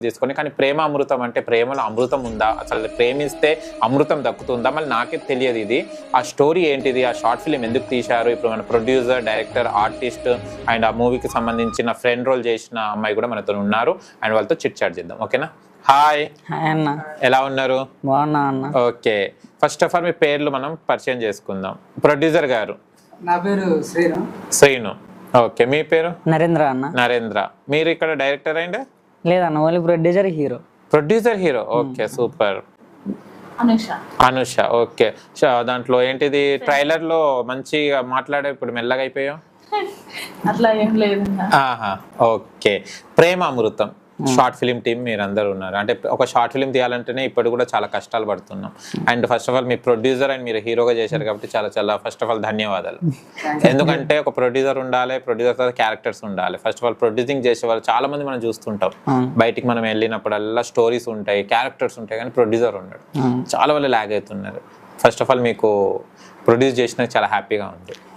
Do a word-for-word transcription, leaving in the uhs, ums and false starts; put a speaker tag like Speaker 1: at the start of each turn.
Speaker 1: తీసుకొని కానీ ప్రేమ అమృతం అంటే ప్రేమలో అమృతం ఉందా, అసలు ప్రేమిస్తే అమృతం దక్కుతుందా, మళ్ళీ నాకే తెలియదు ఇది. ఆ స్టోరీ ఏంటిది, ఆ షార్ట్ ఫిలిం ఎందుకు తీశారు, ఇప్పుడు మన ప్రొడ్యూసర్, డైరెక్టర్, ఆర్టిస్ట్ అండ్ ఆ మూవీకి సంబంధించిన ఫ్రెండ్ రోల్ చేసిన అమ్మాయి కూడా మనతో ఉన్నారు. అండ్ వాళ్ళతో చిట్ చాట్ చేద్దాం. ఓకేనా? హాయ్
Speaker 2: అన్న,
Speaker 1: ఎలా ఉన్నారు?
Speaker 2: బాగున్నా అన్న.
Speaker 1: ఓకే, ఫస్ట్ ఆఫ్ ఆల్ మీ పేర్లు మనం పరిచయం చేసుకుందాం. ప్రొడ్యూసర్ గారు?
Speaker 3: నా పేరు శ్రీను.
Speaker 1: శ్రీను. ఓకే, మీ పేరు?
Speaker 2: నరేంద్ర అన్న.
Speaker 1: నరేంద్ర. మీరు ఇక్కడ డైరెక్టర్ అండ్?
Speaker 2: లేదన్న, only producer, hero.
Speaker 1: Producer, hero. Okay, super.
Speaker 4: Anusha.
Speaker 1: Anusha. Okay, దాంట్లో ఏంటిది ట్రైలర్ లో మంచిగా మాట్లాడే, ఇప్పుడు మెల్లగా అయిపోయావు.
Speaker 4: అట్లా ఏం లేదు.
Speaker 1: ఆహా, okay. Prema Amrutham short film team మీరు అందరు ఉన్నారు. అంటే ఒక షార్ట్ ఫిలిం తీయాలంటేనే ఇప్పుడు కూడా చాలా కష్టాలు పడుతున్నాం. అండ్ ఫస్ట్ ఆఫ్ ఆల్ మీ ప్రొడ్యూసర్ అండ్ మీరు హీరోగా చేశారు కాబట్టి చాలా చాలా ఫస్ట్ ఆఫ్ ఆల్ ధన్యవాదాలు. ఎందుకంటే ఒక ప్రొడ్యూసర్ ఉండాలి, ప్రొడ్యూసర్ తర్వాత క్యారెక్టర్స్ ఉండాలి. ఫస్ట్ ఆఫ్ ఆల్ ప్రొడ్యూసింగ్ చేసే వాళ్ళు చాలా మంది మనం చూస్తుంటాం. బయటికి మనం వెళ్ళినప్పుడల్లా స్టోరీస్ ఉంటాయి, క్యారెక్టర్స్ ఉంటాయి, కానీ ప్రొడ్యూసర్ ఉన్నాడు. చాలా వాళ్ళు లాగ్ అవుతున్నారు. ఫస్ట్ ఆఫ్ ఆల్ మీకు ప్రొడ్యూస్ చేసినందుకు చాలా హ్యాపీగా ఉంది.